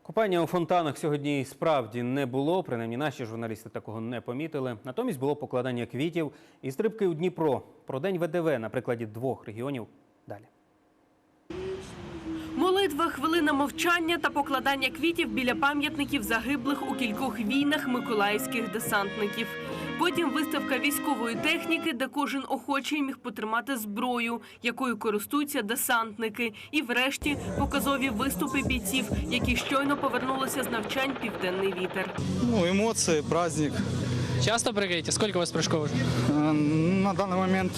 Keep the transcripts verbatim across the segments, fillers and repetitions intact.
Купання у фонтанах сьогодні справді не було, принаймні наші журналісти такого не помітили. Натомість було покладання квітів і стрибки у Дніпро. Про День ВДВ на прикладі двох регіонів далі. Молитва, хвилина мовчання та покладання квітів біля пам'ятників загиблих у кількох війнах миколаївських десантників. Потім виставка військової техніки, де кожен охочий міг потримати зброю, якою користуються десантники. І врешті показові виступи бійців, які щойно повернулися з навчань «Південний вітер». Ну, емоції, праздник. Часто прыгаете? Сколько у вас прыжков уже? На данный момент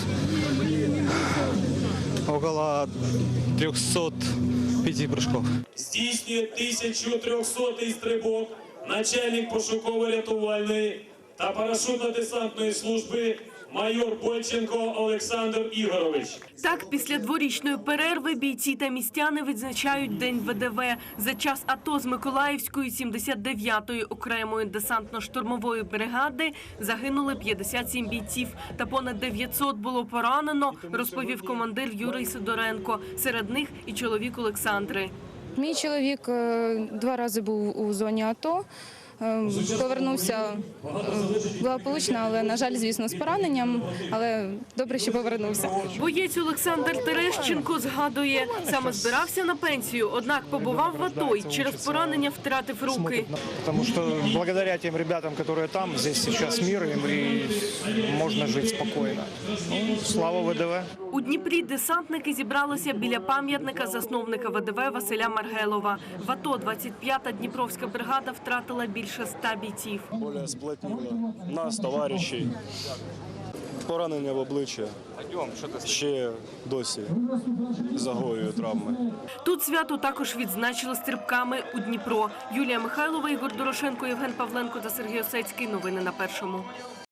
около трёхсот пяти прыжков. Здійснює тисяча трьохсотий стрибок начальник пошуково-рятувальної та парашютно-десантної служби майор Бойченко Олександр Ігорович. Так, після дворічної перерви бійці та містяни відзначають День ВДВ. За час АТО з Миколаївської сімдесят дев'ятої окремої десантно-штурмової бригади загинули п'ятдесят сім бійців та понад дев'ятсот було поранено, розповів командир Юрій Сидоренко. Серед них і чоловік Олександри. Мій чоловік два рази був у зоні АТО. Повернувся благополучно, але, на жаль, звісно, з пораненням, але добре, що повернувся. Боєць Олександр Терещенко згадує, саме збирався на пенсію, однак побував в АТО і через поранення втратив руки. Тому що благодаря тим хлопцям, які там, тут зараз мир, і можна жити спокійно. Ну, слава ВДВ. У Дніпрі десантники зібралися біля пам'ятника засновника ВДВ Василя Маргелова. В АТО двадцять п'ята Дніпровська бригада втратила більше ста бійців. Більше сплотнило нас, товаришів, поранення в обличчя, ще досі загоює травми. Тут свято також відзначили стрибками у Дніпро. Юлія Михайлова, Ігор Дорошенко, Євген Павленко та Сергій Осецький. Новини на Першому.